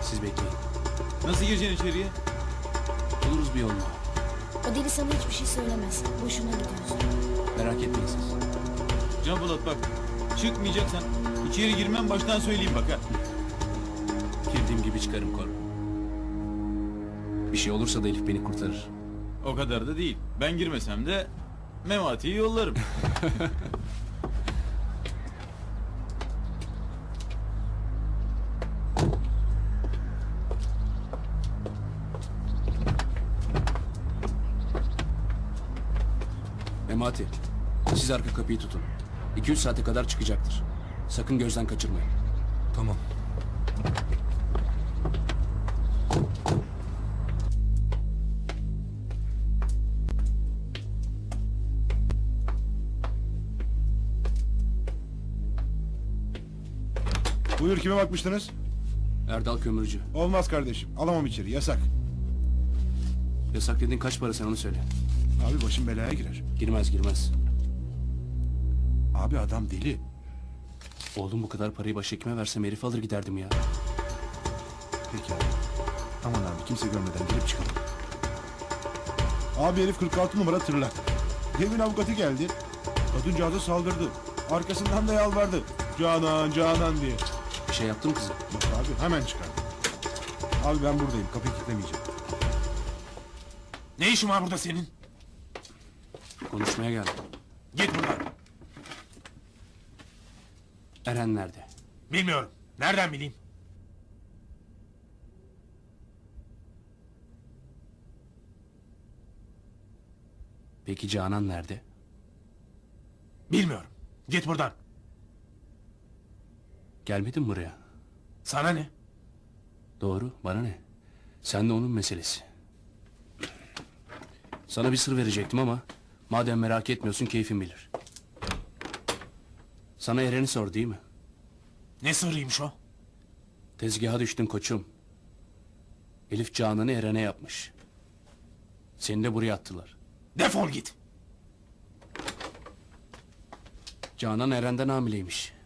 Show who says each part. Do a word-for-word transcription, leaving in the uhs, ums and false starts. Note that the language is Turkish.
Speaker 1: Siz bekleyin.
Speaker 2: Nasıl gireceksin içeriye?
Speaker 1: Buluruz bir yolunu.
Speaker 3: O deli sana hiçbir şey söylemez. Boşuna gidiyorsun.
Speaker 1: Merak etmeyin siz.
Speaker 2: Can Polat bak. Çıkmayacaksan içeri girmem baştan söyleyeyim bak ha.
Speaker 1: Girdiğim gibi çıkarım Kor. Bir şey olursa da Elif beni kurtarır.
Speaker 2: O kadar da değil. Ben girmesem de Memati'yi yollarım.
Speaker 1: Memati, siz arka kapıyı tutun. İki üç saate kadar çıkacaktır. Sakın gözden kaçırmayın.
Speaker 4: Tamam.
Speaker 5: Buyur, kime bakmıştınız?
Speaker 1: Erdal Kömürcü.
Speaker 5: Olmaz kardeşim, alamam içeri, yasak.
Speaker 1: Yasak dediğin kaç para, sen onu söyle.
Speaker 5: Abi başım belaya girer.
Speaker 1: Girmez girmez.
Speaker 5: Abi adam deli.
Speaker 1: Oğlum bu kadar parayı başhekime versem herif alır giderdim ya.
Speaker 5: Peki abi. Aman abi, kimse görmeden gelip çıkalım. Abi herif kırk altı numara tırlak. Demin avukatı geldi. Kadıncağıza saldırdı. Arkasından da yalvardı. Canan, Canan diye.
Speaker 1: Bir şey yaptım kızım.
Speaker 5: Yok abi, hemen çıkardı. Abi ben buradayım, kapıyı kilitlemeyeceğim.
Speaker 4: Ne işin var burada senin?
Speaker 1: Konuşmaya geldim.
Speaker 4: Git buradan.
Speaker 1: Eren nerede?
Speaker 4: Bilmiyorum. Nereden bileyim?
Speaker 1: Peki Canan nerede?
Speaker 4: Bilmiyorum. Git buradan.
Speaker 1: Gelmedin mi buraya?
Speaker 4: Sana ne?
Speaker 1: Doğru, bana ne? Sen de onun meselesi. Sana bir sır verecektim ama madem merak etmiyorsun keyfin bilir. Sana Eren'i sor değil mi?
Speaker 4: Ne sırrıymış o?
Speaker 1: Tezgaha düştün koçum. Elif Canan'ı Eren'e yapmış. Seni de buraya attılar.
Speaker 4: Defol git.
Speaker 1: Canan Eren'den hamileymiş.